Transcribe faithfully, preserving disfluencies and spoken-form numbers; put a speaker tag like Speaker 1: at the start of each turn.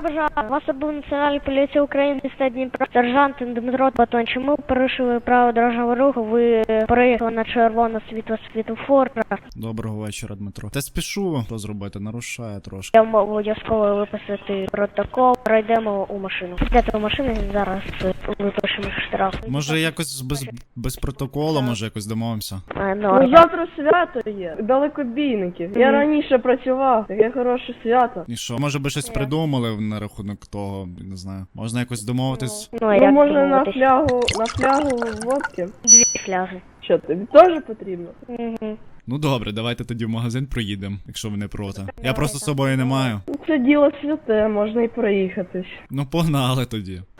Speaker 1: Доброго бажаю. Вас обув Національної поліції України міста Дніпро. Сержант Дмитро Батон. Чому порушили право дорожнього руху? Ви проїхали на червоне світло світлофора.
Speaker 2: Доброго вечора, Дмитро. Та спішу, що зробити, нарушає трошки.
Speaker 1: Я можу обов'язково виписати протокол. Пройдемо у машину. Сідайте у машину і зараз випишемо штраф.
Speaker 2: Може якось без, без протоколу, може якось домовимося?
Speaker 1: А,
Speaker 3: Ну,
Speaker 1: ну,
Speaker 3: завтра свято є. Далекобійників. Я
Speaker 1: Мгм.
Speaker 3: раніше працював. Таке хороше свято.
Speaker 2: І що, може би щось придумали на рахунок того, не знаю. Можна якось домовитись?
Speaker 1: ну, а
Speaker 3: Ну,
Speaker 1: як
Speaker 3: може на
Speaker 1: домовитись?
Speaker 3: флягу, на флягу водки?
Speaker 1: Дві фляги.
Speaker 3: Що, тобі теж потрібно?
Speaker 1: Угу.
Speaker 2: Ну добре, давайте тоді в магазин проїдемо, якщо ви не проти. Я просто з собою не маю.
Speaker 3: Ну, це діло святе, можна і проїхатись.
Speaker 2: Ну погнали тоді.